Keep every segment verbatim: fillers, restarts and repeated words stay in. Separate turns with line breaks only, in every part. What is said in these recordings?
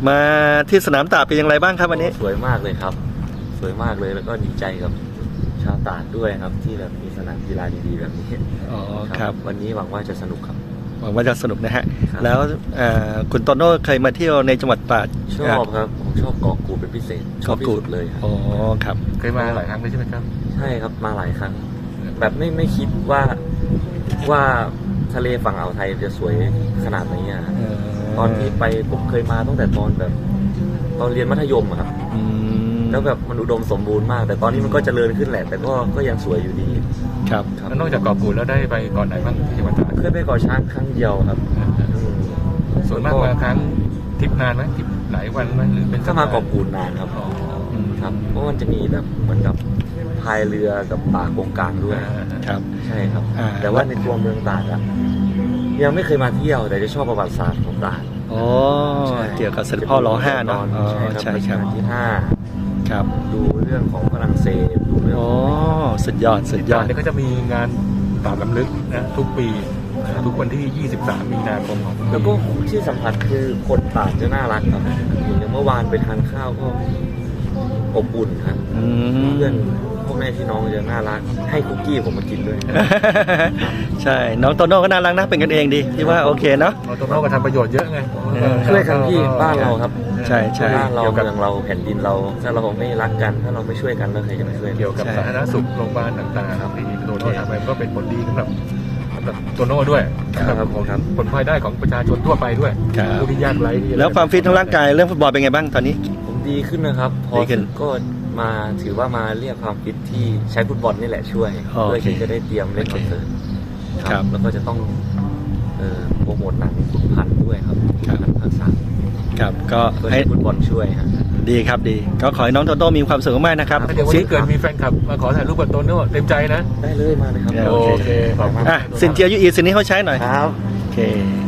มาที่สนามตราดเป็นอย่างไรบ้างครับวันนี้
สวยมากเลยครับสวยมากเลยแล้วก็ดีใจกับชาวตราดด้วยครับที่แบบมีสนามกีฬาดีๆแบบนี้
อ๋อครับ
วันนี้หวังว่าจะสนุกครับ
หวังว่าจะสนุกนะฮะแล้วคุณโตโน่เคยมาเที่ยวในจังหวัดตราด
ชอบครับผมชอบเกาะกูดเป็นพิเศษชอบที่สุดเลย
อ๋อครับ
เคยมาหลายครั้งเลยใช่ไหมครับ
ใช่ครับมาหลายครั้งแบบไม่ไม่คิดว่าว่าทะเลฝั่งอ่าวไทยจะสวยขนาดนี้อ่ะตอนที่ไปผมเคยมาตั้งแต่ตอนแบบตอนเรียนมัธยมครับแล้วแบบมันอุดมสมบูรณ์มากแต่ตอนนี้มันก็เจริญขึ้นแหละแต่ก็ก็ยังสวยอยู่ดี
ครับ
แล้วนอกจากเกาะกูดแล้วได้ไปเกาะไหนบ้างที่จังหวัดตราด
เคยไปเกาะช้างครั้งเดียวครับ
ส่วนมากมาครั้งทริปนานไหมทริปหลายวันไหมหรือเป็น
ก็มาเกาะกูดนานครับครับเพราะมันจะมีแบบเหมือนกับพายเรือกับป่าโกงกลางด้วย
ครับ
ใช่ครับแต่ว่าในตัวเมืองตราดอะยังไม่เคยมาเที่ยวแต่จะชอบประวัติศาสตร์ของตราด
อ๋อเกี่ยวกับเสด็จพ่อรอห้าเนาะ
อ๋อใช่ครับที่ห้า
ครับ
ดูเรื่องของฝรั่งเศสดูเรื่อง
อ๋อสุดยอดสุดยอด
เนี่ยก็จะมีงานตราดรำลึกนะทุกปีทุกวันที่ยี่สิบสามมีนาคมของ
แล้วก็ที่สัมผัสคือคนตราดจะน่ารักครับอย่างเมื่อวานไปทานข้าวก็อบอุ่นครับเพื่อนพ่อแม่พี่น้องจะน่ารักให้คุกกี้ผมมากินด้วย
ใช่น้องโตโน่ก็น่ารักนะเป็นกันเองดีที่ว่าโอเคเนาะ
โตโน่ก็ทำประโยชน์เยอะไง
ช่วยกันที่บ้านเราครับ
ใช่ใช่
บ้านเราเมืองเราแผ่นดินเราถ้าเราไม่รักกันถ้าเราไม่ช่วยกันแล้วใครจะมาช่วย
เกี่ยวกับสาธารณสุขโรงพยาบาลต่างๆครับที่โตโน่ทำไปก็เป็นผลดีสำหรับโตโน่ด้วย
ครับ
ผลพลอยได้ของประชาชนทั่วไปด้วยผู้ที่ยากไร้
แล้วความฟิตทางร่างกายเรื่องฟุตบอลเป็นไงบ้างตอนนี้
ผมดีขึ้นนะครับพอก็มาถือว่ามาเรียกความฟิตที่ใช้ฟุตบอลนี่แหละช่วยเพื่อที่จะได้เตรียมเล่นคอนเสิร์ตครับแล้วก็จะต้องโปรโมทหนังขุนพันธุ์ด้วยครับหนังภาคสาม
ครับก็
ให้ฟุตบอลช่วยครับ
ดีครับดีก็ขอให้น้องโตโต้มีความสุขมากนะครับ
เดี๋ยววันนี้เกิดมีแฟนคลับมาขอถ่ายรูปกับโตโน่เต็มใจนะ
ได้เลยมาเลยครับ
โอเคขอบคุณ
อ่ะสินเจียยูอีสินนี้เขาใช้หน่อย
ครับ
โอเค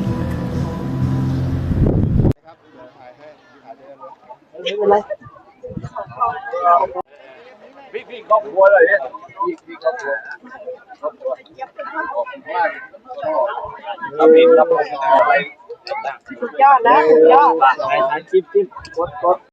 ไม่เป็นไร
พี่พี่ครอบครัวเลยเนี่ยพี่พี่ครอบครัวครอบครัวขอบคุณมากครับพี่ครับอะไร
สุดยอดนะสุดยอด
ถ่ายคลิปคลิปกดกด